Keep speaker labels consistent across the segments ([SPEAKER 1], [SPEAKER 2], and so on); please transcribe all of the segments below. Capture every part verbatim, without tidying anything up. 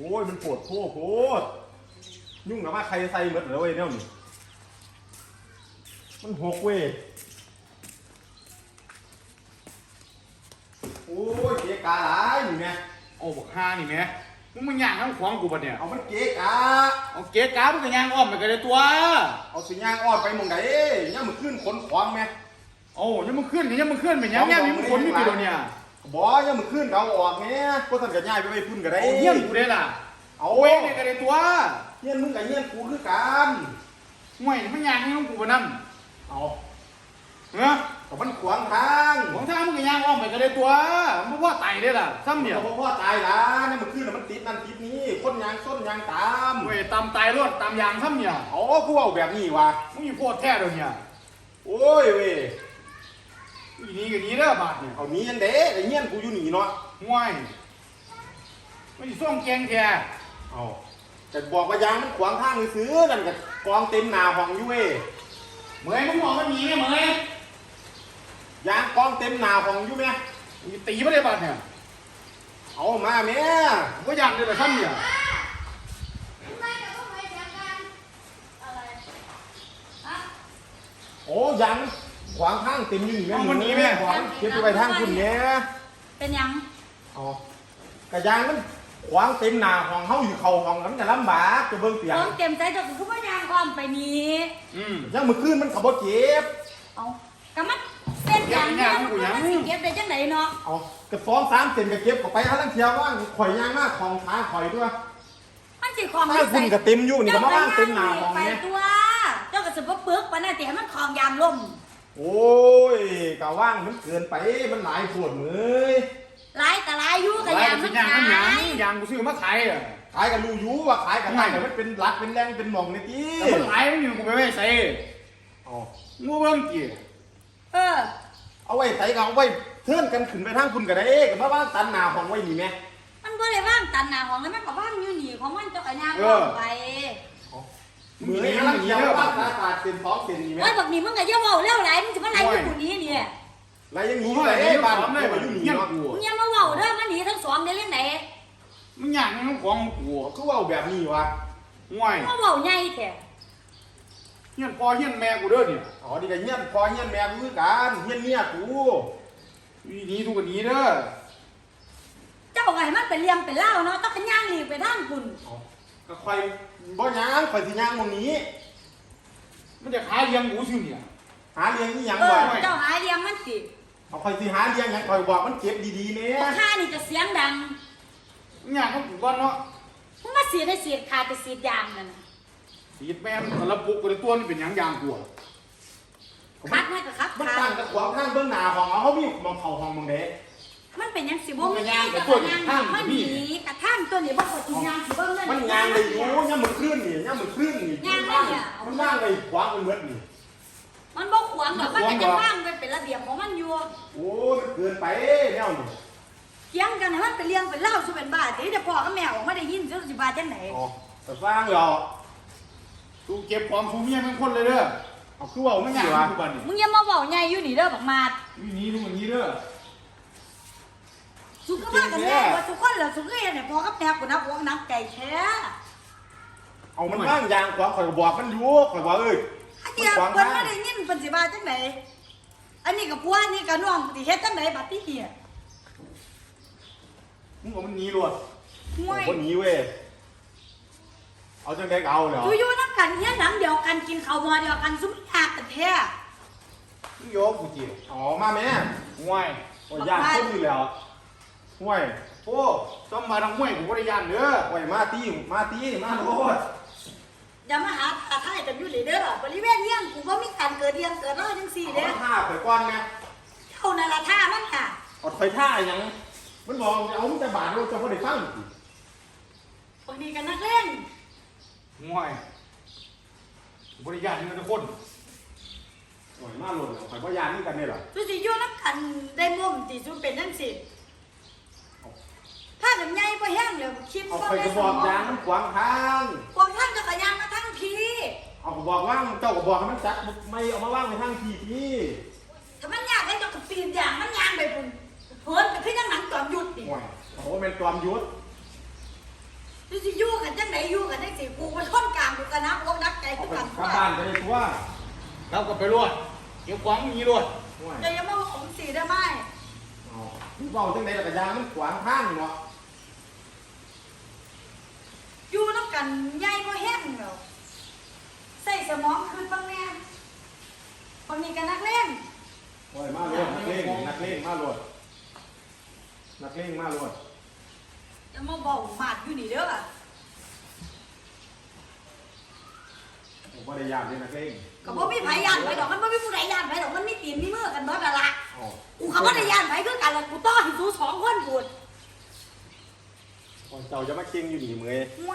[SPEAKER 1] อ้ยมันปวดโคตรโคตรยุ่งกับว่าใครใส่หมดเลยเว้ยเนี่ยนี่มันหกเว้ยโอ้ยเกะกะหลายนี่แม่
[SPEAKER 2] โอ้บอกห้านี่แม่มึงมันย่างทั้งขวางกูปะเนี่ย
[SPEAKER 1] เอามันเกะกะ
[SPEAKER 2] เอาเก๊กามึงก็ย่างอ้อมไปกันเลยตัว
[SPEAKER 1] เอาสิย่างอ้อนไปมองไหนเนี่ยมันขึ้นขนขวางแม่
[SPEAKER 2] โอ้ยังมึงขึ้นยังมึงขึ้นเป็นยังไงมีมึงขนไม่กี่ตัวเนี่ย
[SPEAKER 1] บ่ยังมันขึ้นเอาออกแม่ก็ท่านกับย่ายไปไปพุ่นกันได้
[SPEAKER 2] เยี่ยมกูได้ล่ะเอาเว้ยเนี่ยกันเลยตัว
[SPEAKER 1] เยี่ยนมึงกับเยี่ยนกูคือกัน
[SPEAKER 2] ห่วยมันย่างให้มึงกูปะนั่น
[SPEAKER 1] เอา
[SPEAKER 2] เนาะ
[SPEAKER 1] แต่มันขวางทาง
[SPEAKER 2] ของทางมึงก็ย่างอ้อมไปกันเลยตัวมึงว่าไต่ได้ล่ะซ้ำเนี่ย
[SPEAKER 1] เพราะพ่อตายละนี่มันขึ้นแล้วมันติดนั่นติดนี้คนยางส้นยางตาม
[SPEAKER 2] เว้ยตามตายรถตามยางซ้ำเนี่ย
[SPEAKER 1] อ๋อกูเอาแบบนี้วะ
[SPEAKER 2] มึงอยู่โคตรแท้เลยเนี่ย
[SPEAKER 1] โอ้ยเว้ย
[SPEAKER 2] อีนี้กับนี้เด้อบาทเนี่ย
[SPEAKER 1] เอานี้ยันเด้ไอ้เงี้ยกูอยู่หนีเนาะ
[SPEAKER 2] ห่วยไม่ส่งแกงแท้
[SPEAKER 1] เอาแต่บอกว่ายางมันขวางทางซื้อนั่นกับกองเต็มหนาห้องอยู่เว้ย
[SPEAKER 2] เมื่อยมึงบอกว่ามีไหมเมื่อย
[SPEAKER 1] ยางกองเต็มหนาห้องอยู่ไหม
[SPEAKER 2] มีตีไม่ได้บาทเนี่ย
[SPEAKER 1] เอามาแม่
[SPEAKER 2] ก็ยางเลยแต่ซ้ำเนี่ย
[SPEAKER 1] โอ้ยางขวางทางเต็มอยู่นี่แม่มันนี้แม่ขวางเก็บไปทางคุณเนี่ย
[SPEAKER 3] เป็นยัง
[SPEAKER 1] อ๋อกระยางมันขวางเต็มหนาห้องเฮาอยู่เข่าห้องนั้นจะลำบากจะเบิ่งเปียก
[SPEAKER 3] ต้องเต็มใจจนคือว่ายางความไปนี้
[SPEAKER 1] อืมยังมือขึ้นมันขับรถเก็บ
[SPEAKER 3] เอากระมัดเป็นอย่างนี้มันสิเก็บได้จังไหนเนาะ
[SPEAKER 1] เอากระสองสามเซนกระเก็บก็ไปหาลังเทียวว่างข่อยยางมากของขาข่อยด้วย
[SPEAKER 3] มันสิของ
[SPEAKER 1] ถ้าคุณกระเต็มอยู่นี่ก็มาว่างเต็มหนาห้อง
[SPEAKER 3] เนี่ยตัวเจ้ากระสุนเปลือกปะน่ะแต่ให้มันคลองยางล่ม
[SPEAKER 1] โอ้ยกะว่างมันเกินไปมันหลายปวดมือ
[SPEAKER 3] หลายแต่หลายอยู่กับยางมันขาย
[SPEAKER 2] ยางกูซื้อมาขายอ่ะ
[SPEAKER 1] ขายกันรู้อยู่ว่าขายกันได้แต่มันเป็นรักเป็นแรงเป็นหม่องในที่
[SPEAKER 2] แต่มันขายไม่อยู่กูไปไม่ใส่
[SPEAKER 1] อ๋อ
[SPEAKER 2] งูเบิ้งกี่
[SPEAKER 3] เออ
[SPEAKER 1] เอาไว้ใส่กันเอาไว้เทิร์นกันขึ้นไปทางคุณกันได้กับมาว่างตันหนาห้องไว้นี่ไหม
[SPEAKER 3] มันก็เลยว่างตันหนาห้องแล้วมันก็ว่างอยู่นี่ของมันเจ้ากับยางไป
[SPEAKER 1] มือนี้ลังเทียวว่าตาตาเต็มท้องเต็มนี่ไหม
[SPEAKER 3] ไอ้แบบนี้มึงก็ย่าว่าเล่าไหลมึงจะมาไหลอยู่คนนี้เนี่ย
[SPEAKER 1] ไรยังหนีเลยเอ้บ้านผมเลยอยู่หนีเนาะ
[SPEAKER 3] มึงอย่ามาว่าเด้อมันหนีทั้งสองได้เรื่องไหน
[SPEAKER 2] มึงอยากให้น้องของกู
[SPEAKER 1] ก็ว่าแบบนี้วะ
[SPEAKER 2] ห่วย
[SPEAKER 3] มาว่าใหญ่แท้
[SPEAKER 2] เฮียนพ่อเฮียนแม่กูเด้อเนี่ย
[SPEAKER 1] อ๋อดีกันเฮียนพ่อเฮียนแม่กูคือกันเฮียนเมียกู
[SPEAKER 2] วีนี้ทุกคนนี้เด้อ
[SPEAKER 3] เจ้าไงมันเป็นเลี้ยงเป็นเล่าเนาะต้องเป็นย่างหลีไปทางคุณ
[SPEAKER 1] ก็คอยบ่ย่างคอยสิย่างตรงนี้
[SPEAKER 2] มันจะหาเลี้ยงกูซิเนี่ย
[SPEAKER 1] หาเลี้ยงนี่ยัง
[SPEAKER 3] บ่เจ้าหาเลี้ยงมันสิ
[SPEAKER 1] เอาคอยสิหาเลี้ยงยังคอยบอกมันเก็บดีๆเนี่ย
[SPEAKER 3] ข้านี่จะเสียงดัง
[SPEAKER 2] อยากให้กูก่อนเนาะ
[SPEAKER 3] มึงมาเสียได้เสียขาดจะเสียยางนั่นน่ะ
[SPEAKER 2] เสียแม่มันระบุกับตัวนี่เป็นยางยางกู
[SPEAKER 3] คัดให้กับคัด
[SPEAKER 1] มันตั้งกับขวางข้างเบื้องหน้าของเขามีมองเข่าห้องมองเด็ก
[SPEAKER 3] มันเป็นยังสิบ่มันยางกับตัวยางมันหนีกระทั่งตัวนี้บ่กดยางสิเบิ่งนั่น
[SPEAKER 1] มันยางเลยโอ้ยมันคลื่นนี่ยมันคลื่นนี่
[SPEAKER 3] ยางเนี่ย
[SPEAKER 1] มันว่างเลยขวางมันเมืดนี่
[SPEAKER 3] มันบ่ขวางดอกมันก็จะว่างเป็นระเบียบของมันอยู่
[SPEAKER 1] โอ้ยเกินไปแนวนี่
[SPEAKER 3] เถียงกันให้มันเป็นเรื่องเป็นเล่าสิเป็นบ้าสิเดี๋ยวพ่อกับแม่ออกมาได้ยินสิบาจังไหน
[SPEAKER 1] อ๋อแต่สร้างเหรอ
[SPEAKER 2] กูเก็บความสูงเมียเป็นคนเลยเด้อ
[SPEAKER 1] เอาคือว่าไม่ใช่วะ
[SPEAKER 3] มึงอย่ามาเว้าใหญ่อยู่นี่เด้อบักมาด
[SPEAKER 2] วีนี้ทุกคนนี้เด้อ
[SPEAKER 3] สุขภาพกันแน่ว่าทุกคนเหรอสุขเอ็นเนี่ยพ่อกับแม่กูนักวงนักใจแท้
[SPEAKER 1] เอามันว่างยางขวางข่อยบอกมันอยู่ข่อยบอกเอ้ย
[SPEAKER 3] เดี๋ยวเพิ่นมาได้ยินเพิ่นสิว่าจังไหนอันนี้กับผัวนี่กับน้องสิเฮ็ดจังไหนบัดนี้เหี้ย
[SPEAKER 1] มึงเอามันหนีรวด
[SPEAKER 3] ห่วย
[SPEAKER 1] คนหนีเว้ยเอาจังได๋เอาเหรอ
[SPEAKER 3] อยู่ๆนำกันเฮียหนังเดียวกันกินข้าวมื้อเดียวกันซุมยากกันแท้
[SPEAKER 1] มึงโยกกูจิอ๋อมาแม่
[SPEAKER 2] ห่วย
[SPEAKER 1] โอ้ยยากคนอยู่แล้วห่วย
[SPEAKER 2] โอ้ต้องมาทางห้วยกูบ่ได้ย่านเด้อ
[SPEAKER 1] ห่วยมาตีมาตีมาโลด
[SPEAKER 3] อย่ามาหาตาท้ายกันอยู่เลยเด้อบริเวณเฮียนกูบ่มีการเกิดเรียนเกิดรอจังซี่เด้อ
[SPEAKER 1] ท่าข่อยก่อนแม่
[SPEAKER 3] เท่านั้นล่ะท่ามันค่ะ
[SPEAKER 1] อดข่อยท่าหยังมันบอกเอามึงจะบาดเราจะบ่ได้ฟัง
[SPEAKER 3] บางทีกันนักเล่น
[SPEAKER 2] ห่วยบริยานนี่ทุกคน
[SPEAKER 1] โอ้ยมาหล่นข่อยบ่ยานนี่กันนี่เหรอ
[SPEAKER 3] สุสิอยู่นำกันได้มุมสิสุเป็นจังซี่ถ้ากันใหญ่บ่แห้งแล้วคิด
[SPEAKER 1] ว่าเอาข่อยก็บอกยางมันขวางทาง
[SPEAKER 3] ขวางทางจะกระยางมาทางพี่
[SPEAKER 1] เอาก็บอกว่างเจ้าก็บอกให้มันจักไม่เอามาว่างในทางพี่พี่
[SPEAKER 3] ถ้ามันยากได้เจ้าก็ปีนยางมันยางไปพุ่นเพิ่นก็คือจังหนังจอมยุทธดิ
[SPEAKER 1] โอ้ยโอ้แม่นจอมยุทธ
[SPEAKER 3] ที่สิอยู่กันจังไหนอยู่กันจังสิกูมันทนกลางกูกันนะกูนักใจ
[SPEAKER 1] เอา
[SPEAKER 3] กู
[SPEAKER 1] ไป
[SPEAKER 3] กัน
[SPEAKER 1] กลับบ้านไปเลยตัว
[SPEAKER 2] เราก็ไปรวดเก็บของมีรวด
[SPEAKER 1] ห่วย
[SPEAKER 3] เดี๋ยวยังมาของสีได้ไหม
[SPEAKER 1] เอาเบาจังไดล่ะกระยางมันขวางทางเนาะ
[SPEAKER 3] อยู่น้ำกันใหญ่ก็แห้งเหรอใส่สมองคืนบ้างแน่คนนี้กันนักเล่น
[SPEAKER 1] โอ้ยมาโลดนักเลงนักเลงมาโลดนักเลงมาโลด
[SPEAKER 3] จะมาบอกหมาดอยู่นี่เด้อ
[SPEAKER 1] ผมบ่ได้ยามเลยนักเลง
[SPEAKER 3] ก็บ่มีไผยานไผดอกมันบ่มีผู้ใดยานไผดอกมันมีตีนมีมือกันเบิดนั่นล่ะ
[SPEAKER 1] เอา
[SPEAKER 3] กูเขาบ่ได้ยานไผคือกันล่ะกูต้อให้สู้สองคนพูด
[SPEAKER 1] โอ้ยเจ้าจะมาเก่งอยู่นี่เมย
[SPEAKER 3] ห่วย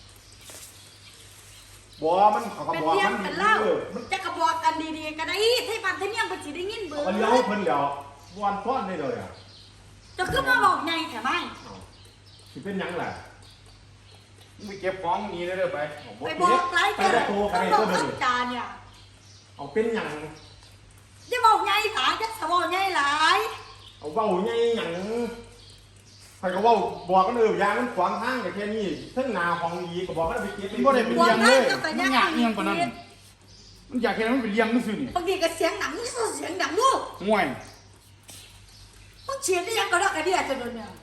[SPEAKER 1] บ่มันเขาก็
[SPEAKER 3] เป็น
[SPEAKER 1] บอก
[SPEAKER 3] เลี้ยง
[SPEAKER 1] มัน
[SPEAKER 3] เป็นเล่า
[SPEAKER 1] ออมัน
[SPEAKER 3] จะกระบอกกันดีๆก็ได้ที่ปันที่เมี่ยงเพิ่นสิได้ยินเบิ
[SPEAKER 1] เอา
[SPEAKER 3] ด
[SPEAKER 1] เลี้ยวเพิ่นเดี๋ยววันฟ้อนได้เลยอ่ะ
[SPEAKER 3] จะขึ้นมาบอกไงแถมไม่
[SPEAKER 1] เอาสิเป็นหยังล่ะ
[SPEAKER 2] มึงไปเก็บของมีได้เลยไป
[SPEAKER 1] เอา
[SPEAKER 3] ไปบอกไร
[SPEAKER 1] ไป
[SPEAKER 3] แก
[SPEAKER 1] บอกโตกัน
[SPEAKER 3] ต้อง
[SPEAKER 1] เลย
[SPEAKER 3] บอก
[SPEAKER 1] ตัว
[SPEAKER 3] ขั
[SPEAKER 1] เดี
[SPEAKER 3] บ
[SPEAKER 1] ยว
[SPEAKER 3] จานเนี่ย
[SPEAKER 1] เอาเป็นหยัง
[SPEAKER 3] จะบอกไงถามจะสบอกไงหลาย
[SPEAKER 1] เอาเว้าไงหยังใครก็เว้าบอกกันเออยางมันขวางทางแต่แค่นี้เทั้งหนาของดีก็บอกกันไปเก็บ
[SPEAKER 2] มันบ่ได้เป็น
[SPEAKER 3] บอก
[SPEAKER 2] เลี้ยง
[SPEAKER 3] ไง
[SPEAKER 2] เลย
[SPEAKER 3] ก็แต่
[SPEAKER 2] มัน
[SPEAKER 3] ยัง
[SPEAKER 2] อยากเลี้ยงกว่านั้นมันอยากเห็นมันเป็นเลี้ยงนี่สินี่
[SPEAKER 3] บางทีก็เสียงหนังเสียงหนังลูก
[SPEAKER 2] ง่วย
[SPEAKER 3] ต้องเชียร์ได้ยังก็ได้กันเดียจะโดนเนี่ย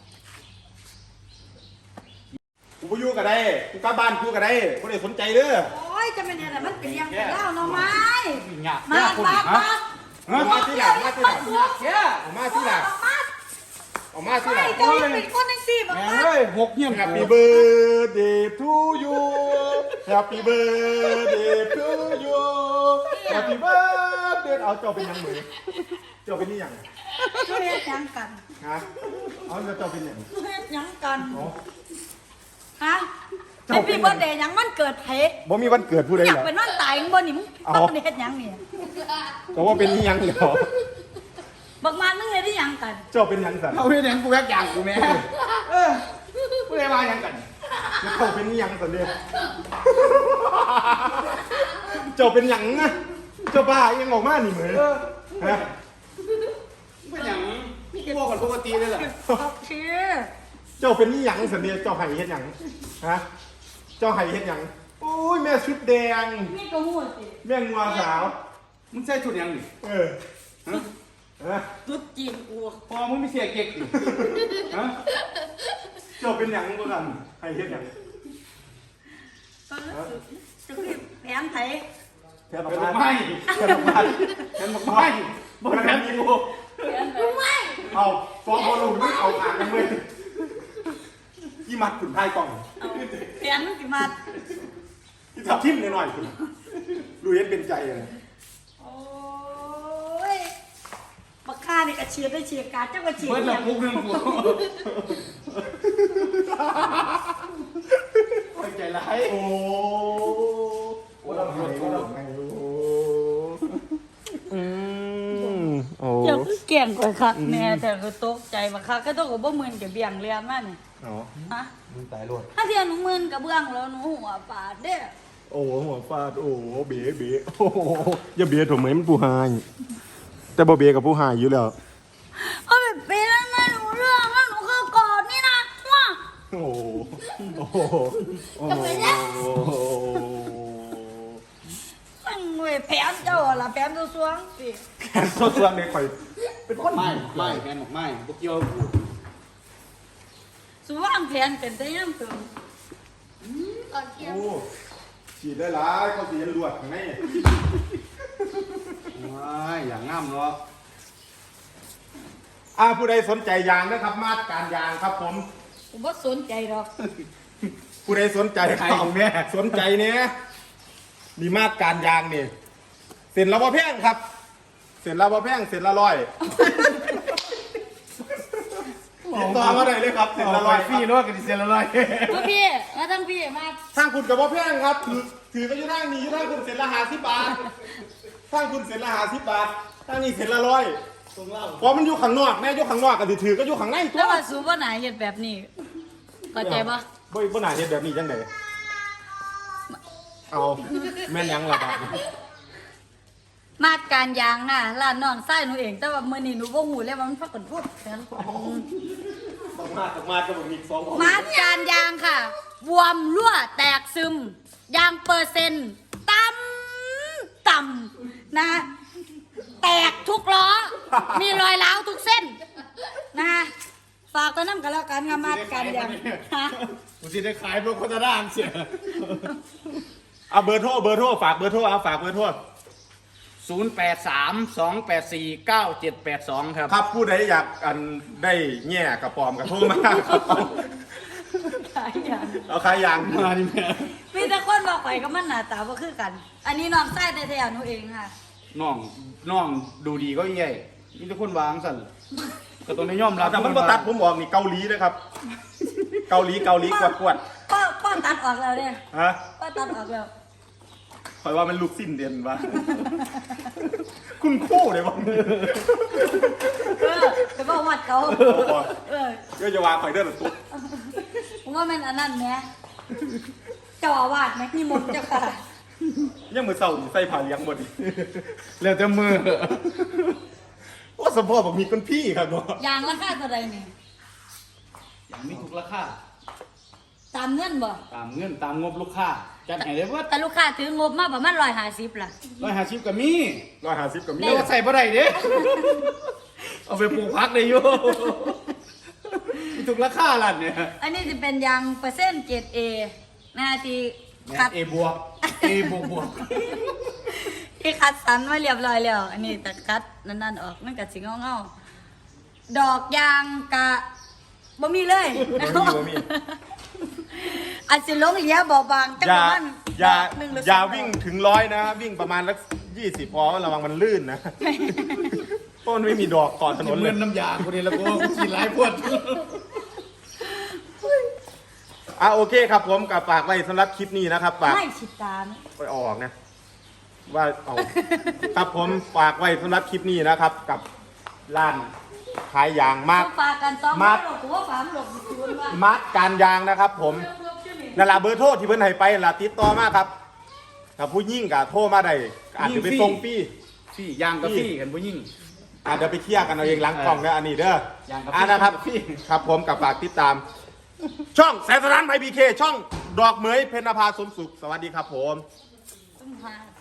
[SPEAKER 1] กูไปอยู่ก็ได้กูกลับบ้านกูก็ได้บ่ได้สนใจเด้อ
[SPEAKER 3] โอ้ยจะเป็นอะไรมันเป็นยังเป็นเล่าเนาะไม้
[SPEAKER 2] อยาก
[SPEAKER 3] มา
[SPEAKER 2] คน
[SPEAKER 3] มา
[SPEAKER 2] ฮะ
[SPEAKER 3] มา
[SPEAKER 1] เอามาที่หลังมาที่หลัง
[SPEAKER 2] แค่
[SPEAKER 1] เอามาที่หลัง
[SPEAKER 3] มา
[SPEAKER 1] เอามาที่หลั
[SPEAKER 3] ไม่
[SPEAKER 1] ง
[SPEAKER 3] จะเป็นคนทั้งสี่บอก
[SPEAKER 2] แม่
[SPEAKER 3] มา
[SPEAKER 2] เอ้ยหกเงี้ย
[SPEAKER 1] แฮปปี้เบิร์ดเดย์ทูยูแฮปปี้เบิร์ดเดย์ทูยูแฮปปี้เบิร์ดเดย์เอาเจ้าเป็นหยังมือเจ้าเป็นนี่หยัง
[SPEAKER 3] เฮ็ดยังกัน
[SPEAKER 1] ฮะเอาแล้วเจ้าเป็นหยัง
[SPEAKER 3] เฮ็ดยังกัน
[SPEAKER 1] อ๋อ
[SPEAKER 3] ฮะไอพี่เบิร์ดเดย์ยังมันเกิดเหตุ
[SPEAKER 1] บ่มีวันเกิดผู้ใด
[SPEAKER 3] อยา
[SPEAKER 1] เห
[SPEAKER 3] ก
[SPEAKER 1] รอ
[SPEAKER 3] เป็นวันตายของบ่นี่มึง
[SPEAKER 1] เอา
[SPEAKER 3] ต้องเฮ็ดยังนี่
[SPEAKER 1] ก็ว่าเป็นนี่หยังเหรอ
[SPEAKER 3] บักมันมึงเฮ็ดได้ยังกัน
[SPEAKER 1] เจ้าเป็นหยังสัน
[SPEAKER 2] เอาเรื่องกูแยกอย่างกูแม่เออกูได้มาอย่างกัน
[SPEAKER 1] แล้วเจ้าเป็นนี่หยังสันเดียเจ้าเป็นหยังนะเจ้าบ้ายังออกมานี่เหมือนฮะ
[SPEAKER 2] เป็นอย่างพวกกันปกติเลยเหรอ
[SPEAKER 3] โอเค
[SPEAKER 1] เจ้าเป็นนี่หยังสันเดียเจ้าไห้เฮ็ดหยังฮะเจ้าไห้เฮ็ดหยังโอ้ยแม่ชุดแดง
[SPEAKER 3] นี่ก็หูสิ
[SPEAKER 1] แม่งัวสาว
[SPEAKER 2] มึงใส่ชุดยังนี่
[SPEAKER 1] เออ
[SPEAKER 2] ฮะ
[SPEAKER 1] ฮะ
[SPEAKER 3] ตุ๊ดจีนกู
[SPEAKER 2] พอมึงไม่เสียเก๊กดิฮะ
[SPEAKER 1] เจ้าเป็นหยังบ่กันไห้เฮ็ดหยัง
[SPEAKER 3] ก็รู้สึกจะคือแผนไทย
[SPEAKER 1] แค่
[SPEAKER 2] เป็น
[SPEAKER 1] ดอก
[SPEAKER 2] ไม้
[SPEAKER 1] ไม้แค่ดอกไม้
[SPEAKER 2] เป็นไม้บ่
[SPEAKER 1] บ่
[SPEAKER 2] แม่
[SPEAKER 1] แม่
[SPEAKER 2] น
[SPEAKER 1] น
[SPEAKER 2] อี
[SPEAKER 1] อี
[SPEAKER 2] ก
[SPEAKER 1] กู
[SPEAKER 3] รู้ไหม
[SPEAKER 1] เอาฟ้องบ่ลงมึงเอาอ่างกันเว้ยอีมัดขุนพายกล่อง
[SPEAKER 3] แผนมันสิมา
[SPEAKER 1] ที่ทับทิ่มหน่อยๆคุณรู้เห็นเป็นใจเลย
[SPEAKER 3] โอ้ยบักฆ่านี่ก็เชียร์ได้เชียร์การเจ้าก็เชียร์
[SPEAKER 2] เบิด
[SPEAKER 3] เนี่
[SPEAKER 2] ละ
[SPEAKER 3] ย
[SPEAKER 2] ปุกหนึงกูโอ้ยใจร้าย
[SPEAKER 1] โอ้โอ้ลำไห้โอ้ลำไห้โอ้อืมโอ้
[SPEAKER 3] เจ้าคือเก่งกว่าคักแม่แต่ก็ตกใจบักคักก็ต้องกับบ่หมื่นกับเบี่ยงเรียนมานี่
[SPEAKER 1] เนาะ
[SPEAKER 3] ฮะ
[SPEAKER 1] มึงตายรวด
[SPEAKER 3] ถ้าเทียนหนูหมื่นกับเบื้องแล้วหนูหัวปาดเด้อ
[SPEAKER 1] โอ้หัวฟาดโอ้เบ๋เบ๋โอ้อย่าเบ๋ถูกไหมมันผู้หายแต่บ่เบ๋กับผู้หายอยู่แล้ว
[SPEAKER 3] เอาแบบเป็นแล้วไม่รู้เรื่องแล้วหนูคือกอดนี่นะว่า
[SPEAKER 1] โอ้โอ้โอ้
[SPEAKER 3] จะไปแล้ว มันเว้ยแผนเจ้าอะล่ะแผนตัวสวงสิ
[SPEAKER 1] แขนส่วนในข่อยเป็นคน
[SPEAKER 2] ไม่ไม่แม่นบอกไม่พวกเกี่ยวกู
[SPEAKER 3] สวางแผนเป็นแต่ยังเติมตอนเที่ยง
[SPEAKER 1] โอ้ฉีดได้หลายเขาสีลวดข้างใน
[SPEAKER 2] ไม่อย่างงามเนาะ
[SPEAKER 1] อ่าผู้ใดสนใจยางนะครับ มาตรการยางครับผม
[SPEAKER 3] ผมบ่สนใจหรอก
[SPEAKER 1] ผู้ใดสนใจใครของแม่สนใจเนี่ยมีมาตรการยางนี่เส้นละบ่แพงครับ เส้นละบ่แพงเส้นละร้อยติดต่อมาได้เลยครับเส้นละร้อย
[SPEAKER 2] ฟรีเนาะกันดิเซลละร้อย
[SPEAKER 3] มาพี่มาทั้งพี่มา
[SPEAKER 1] ทางคุณกับบ่แพงครับ ถือถือก็อยู่ทางนี้อยู่ทางคุณเส้นละห้าสิบบาททางคุณเส้นละห้าสิบบาททางนี้เส้นละร้อยเพราะมันอยู่ข้างนอกแม่อยู่ข้างนอกก็สิถือก็อยู่ข้างในตั
[SPEAKER 3] แล้ว วว่าสูบ่หนาเฮ็ดแบบนี้เข้าใจบ่
[SPEAKER 1] บ่บ่น่าเฮ็ดแบบนี้จังได๋เอาแม่นหยังล่ะบาดนี้
[SPEAKER 3] มาดการยางน่ะร้านน้องไส้หนูเอง แต่ว่ามื้อนี้หนูบ่ฮู้เลยว่ามันพักกันพูดกัน
[SPEAKER 1] ต้องมาต้องมากับบ่มีสองคน
[SPEAKER 3] มาดการยางค่ะบวมรั่วแตกซึมยางเปอร์เซ็นต์ต่ำต่ำนะแตกทุกล้อ มีรอยร้าวทุกเส้นนะฝากตัวน้ำกันแล้วกันงามาดกันอย่างฮะ
[SPEAKER 2] กูสิได้ขายพวกโฆษณาเสีย
[SPEAKER 1] เอาเบอร์โทรเบอร์โทรฝากเบอร์โทรเอาฝากเบอร์โทร
[SPEAKER 2] ศูนย์แปดสาม สองแปดสี่ เก้าเจ็ดแปดสองครับ
[SPEAKER 1] ครับผู้ใดอยากอันได้แง่กระปอมกระโทรมาครับเอา
[SPEAKER 3] ขายอย่าง
[SPEAKER 1] เอาขายยาง
[SPEAKER 2] มาดิแม่
[SPEAKER 3] มีแต่คนบอกไปก็มันหน้าตาบ่คือกัน อันนี้น้องไส้แท้ๆหนูเองค่ะ
[SPEAKER 2] น้องน้องดูดีก็ใหญ่มีแต่คนวางสั่นก็ต้องได้ยอมรับ
[SPEAKER 1] แต่มันบ่ตัดผมออกนี่เกาหลีนะครับ เกาหลีเกาหลีกวดกวด
[SPEAKER 3] ป้าป้าตัดออกแล้วเนี่ย
[SPEAKER 1] ฮะ
[SPEAKER 3] ป้าตัดออกแล้ว
[SPEAKER 1] คอยว่ามันลูกสิ้นเดือนวะ คุณคู่เลยบ้าง
[SPEAKER 3] เออไปบอกวัดเขาเออ
[SPEAKER 1] ก็จะวางคอยเดินหรือตุ๊ก
[SPEAKER 3] ผมว่ามันอันนั้นแหมเจ้าอาวาสไหมนี่มนต์เจ้าค่ะ
[SPEAKER 1] ยังมือเศร้านี่ใส่ผ้าเลี้ยงหมดนี่
[SPEAKER 2] แล้วแต่มือ
[SPEAKER 1] ว่าสมพ่อบอกมีคนพี่ครับเนาะ
[SPEAKER 3] ยางราคาเท่าไรนี่
[SPEAKER 2] อย่างมีทุกราคา
[SPEAKER 3] ตามเงินบ่
[SPEAKER 2] ตามเงินตามงบลูกค้าจัดให้ได้เบิด
[SPEAKER 3] แต่ลูกค้าถืองบมาประมาณร้อยห้าสิบล่ะ
[SPEAKER 2] ร้อยห้าสิบก็มี
[SPEAKER 1] ร้อยห้าสิบกับมี
[SPEAKER 2] เดี๋ยวใส่บ่ได้เด้ เอาไปปลูกพักได้อยู่มีทุกราคาล่ะเนี่ย
[SPEAKER 3] อันนี้จะเป็นยางเปอร์เซ็นต์เกรดเอนะที่คัด
[SPEAKER 2] เอบวกเอบวกบวก
[SPEAKER 3] ที่คัดสันมาเรียบร้อยแล้ว อันนี้แต่คัดนั่นๆออกมันก็สิเงาๆดอกยางกะบ่มีเลย
[SPEAKER 1] บ่มีบ่มี
[SPEAKER 3] อันสิลงเหลียเบาบางจัง
[SPEAKER 1] อย่า
[SPEAKER 3] ประมาณ
[SPEAKER 1] อย่า
[SPEAKER 3] ดกหนึ่งหรือ
[SPEAKER 1] อย่า
[SPEAKER 3] สดก
[SPEAKER 1] วิ่งถึงร้อยนะ วิ่งประมาณสักยี่สิบพอระวังมันลื่นนะ เพราะมันไม่มีดอกก่อนถนนเล
[SPEAKER 2] เงิ
[SPEAKER 1] ย
[SPEAKER 2] นน้ำยากูนี่แล้วกูกินหลายพวด
[SPEAKER 1] อ่ะโอเคครับผมกับฝากไว้สำหรับคลิปนี้นะครับฝาก
[SPEAKER 3] ไม่ฉิดตาม
[SPEAKER 1] ไปออกนะว่าเอา ครับผมฝากไว้สำหรับคลิปนี้นะครับ กับร้านขายยางมาก
[SPEAKER 3] ต้องฝากกันสอง
[SPEAKER 1] มัด
[SPEAKER 3] หลบกูว่าฝามหลบอยู่คุณว่า
[SPEAKER 1] มัดการยางนะครับ ผมนั่นละเบอร์โทรที่เพิ่นให้ไปล่ะติดต่อมาครับถ้าผู้ยิ่งกับโทรมาได้อาจจะไปส่งฟรี
[SPEAKER 2] พี่ยางกับพี่กันผู้ยิ่ง
[SPEAKER 1] อาจจะเดี๋ยวไปเคลียร์กันเอาเองหลังกล่องนะอันนี้เด้อ
[SPEAKER 2] อย่างกับ
[SPEAKER 1] อ่านะครับ
[SPEAKER 2] พี่
[SPEAKER 1] ครับผมกับฝากติดตาม ช่องแสนสถานไพพีเคช่องดอกเหมยเพญนภาสมสุขสวัสดีครับผม
[SPEAKER 3] ต้องหา